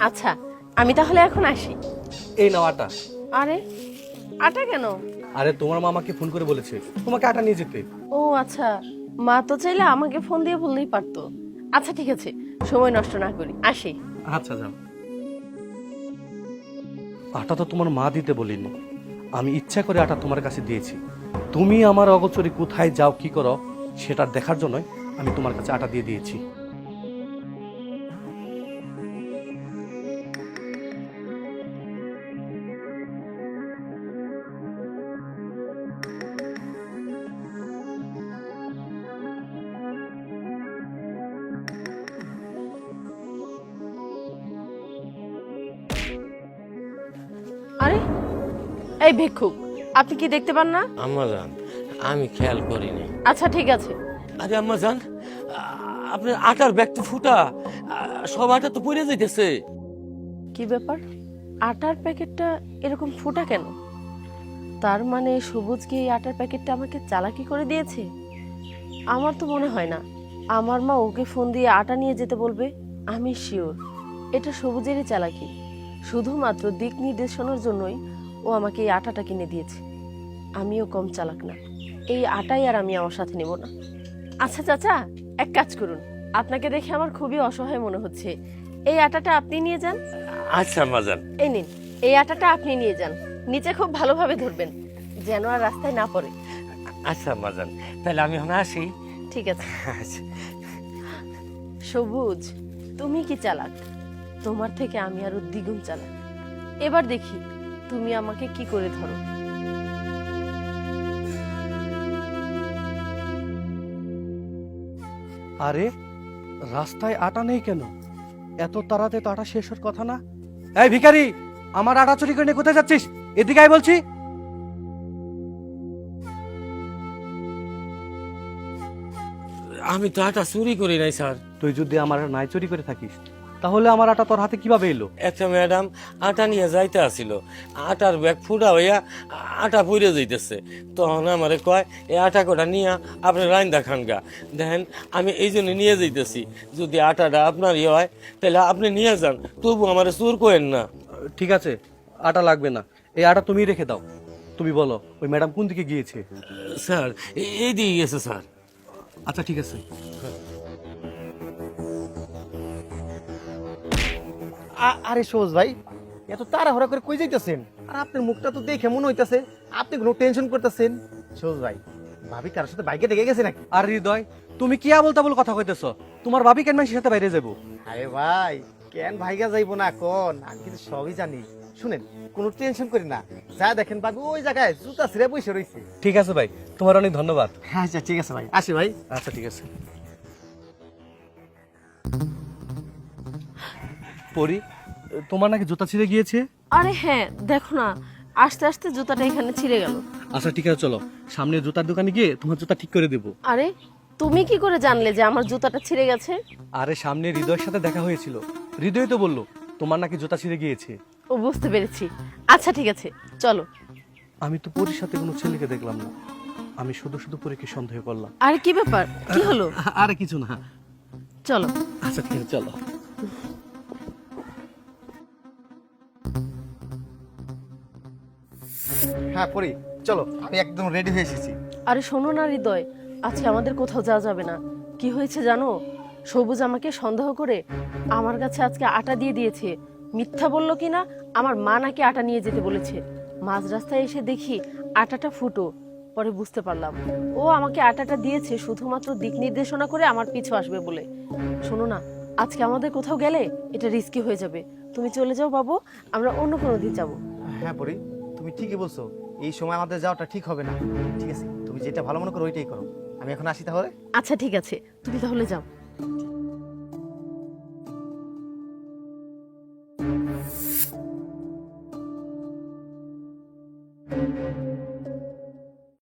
আচ্ছা, আমি তাহলে এখন আসি। এই নাও আটা। আরে আটা কেন? আরে তোমার মা আমাকে ফোন করে বলেছে তোমাকে আটা নিয়ে যেতে। ও আচ্ছা, মা তো চাইলে আমাকে ফোন দিয়ে বললেই পারতো। আচ্ছা ঠিক আছে, সময় নষ্ট না করি, আসি। আচ্ছা যাও। আটা তো তোমার মা দিতে বলিনি, আমি ইচ্ছা করে আটা তোমার কাছে দিয়েছি। তুমি আমার অগোচরে কোথায় যাও কি করো সেটা দেখার জন্যই আমি তোমার কাছে আটা দিয়ে দিয়েছি। আরে এই ভিক্ষুক, আপনি কি দেখতে পান না? আম্মাজান, আমি খেয়াল করিনি। আচ্ছা ঠিক আছে। আরে আম্মাজান, আপনার আটার ব্যাগ তো ফুটা, সব আটা তো পড়ে যাইতেছে। কি ব্যাপার, আটার প্যাকেটটা এরকম ফোটা কেন? তার মানে সবুজ কি এই আটার প্যাকেটটা আমাকে চালাকি করে দিয়েছে? আমার তো মনে হয় না আমার মা ওকে ফোন দিয়ে আটা নিয়ে যেতে বলবে। আমি শিওর এটা সবুজেরই চালাকি। শুধুমাত্র দিক নির্দেশনার জন্যই ও আমাকে এই আটাটা কিনে দিয়েছে। আমিও কম চালাক না, এই আটাই আর আমি আমার সাথে নেব না। আচ্ছা চাচা, এক কাজ করুন, আপনাকে দেখে আমার খুবই অসহায় মনে হচ্ছে। এই আটাটা আপনি নিয়ে যান। আচ্ছা আম্মাজান। এই নিন, এই আটাটা আপনি নিয়ে যান। নিচে খুব ভালোভাবে ধরবেন যেন আর রাস্তায় না পড়ে। আচ্ছা আম্মাজান, তাহলে আমি এখন আসি। ঠিক আছে। আচ্ছা। সবুজ, তুমি কি চালাক, তোমার থেকে আমি আরো দ্বিগুণ চালাক। এবার দেখি তুমি আমাকে কি করে ধরো। আরে রাস্তায় আটা নেই কেন? এত তাড়াতাড়ি তো আটা শেষ হওয়ার কথা না। এই ভিখারি, আমার আটা চুরি করে নিয়ে কোথায় যাচ্ছিস? এদিকে আয় বলছি। আমি তো আটা চুরি করি নাই স্যার। তুই যদি আমার নাই চুরি করে থাকিস তাহলে আমার আটা তোর হাতে কিভাবে এলো? একটা ম্যাডাম আটা নিয়ে যাইতে আসিল, আটার ব্যাগ ফুটা হইয়া আটা পড়ে যাইতেছে। তখন আমারে কয় এই আটা কটা নিয়ে আপনি রাইন্দা খান গা। দেখেন আমি এই জন্য নিয়ে যাইতেছি, যদি আটাটা আপনারই হয় তাহলে আপনি নিয়ে যান, তবু আমার চুর করেন না। ঠিক আছে, আটা লাগবে না, এই আটা তুমি রেখে দাও। তুমি বলো ওই ম্যাডাম কোন দিকে গিয়েছে? স্যার এই দিয়ে গেছে স্যার। আচ্ছা ঠিক আছে। আরে সবুজ ভাই, এত তাড়াহুড়া করে কই যাইতেছেন? আর আপনার মুখটা তো দেখে মনে হইতাছে আপনি কোনো টেনশন করতেছেন। সবুজ ভাই, ভাবি কারোর সাথে বাইকে দেখে গেছে নাকি? আর হৃদয়, তুমি কি আবল তাবল কথা কইতেছ? তোমার ভাবি কেন মানুষের সাথে বাইরে যাবো? আরে ভাই, কেন ভাইগা যাইবো না কোন? আমি কিন্তু সবই জানি। শুনেন, কোনো টেনশন করি না, যা দেখেন ভাবি ওই জায়গায় জুতা ছিঁড়ে বসে রইছে। ঠিক আছে ভাই, তোমার অনেক ধন্যবাদ। আচ্ছা ঠিক আছে ভাই, আসি ভাই। আচ্ছা ঠিক আছে। পরি, তোমার নাকি জুতা ছিঁড়ে গিয়েছে? আরে হ্যাঁ, দেখো না, আস্তে আস্তে জুতাটা এখানে ছিঁড়ে গেল। আচ্ছা ঠিক আছে, চলো সামনে জুতার দোকানে গিয়ে তোমার জুতা ঠিক করে দেবো। আরে তুমি কি করে জানলে যে আমার জুতাটা ছিঁড়ে গেছে? আরে সামনে হৃদয়ের সাথে দেখা হয়েছিল, হৃদয় তো বললো তোমার নাকি জুতা ছিঁড়ে গিয়েছে। ও বুঝতে পেরেছি। আচ্ছা ঠিক আছে, চলো। আমি তো পরির সাথে কোনো ছেলেকে দেখলাম না, আমি শুধু শুধু পরীকে সন্দেহ করলাম। আরে কি ব্যাপার, কি হলো? আরে কিছু না। চলো। আচ্ছা ঠিক আছে, চলো। হ্যাঁ পরি, চলো, আমি একদম রেডি হয়ে এসেছি। আরে শোনো না হৃদয়, আজকে আমাদের কোথাও যাওয়া যাবে না। কি হয়েছে জানো? সবুজ আমাকে সন্দেহ করে আমার কাছে আজকে আটা দিয়ে দিয়েছে। মিথ্যা বললো কিনা, আমার মা নাকি আটা নিয়ে যেতে বলেছে। মাঝ রাস্তায় এসে দেখি আটাটা ফুটো। পরে বুঝতে পারলাম ও আমাকে আটাটা দিয়েছে শুধুমাত্র দিক নির্দেশনা করে আমার পিছু আসবে বলে। শোনো না, আজকে আমাদের কোথাও গেলে এটা রিস্কি হয়ে যাবে। তুমি চলে যাও বাবু, আমরা অন্য কোনো দিন যাবো। হ্যাঁ পরি, তুমি ঠিকই বলছো, এই সময় আমাদের যাওয়াটা ঠিক হবে না। ঠিক আছে, তুমি যেটা ভালো মনে করো ওইটাই করো। আমি এখন আসি তাহলে। আচ্ছা ঠিক আছে, তুমি তাহলে যাও।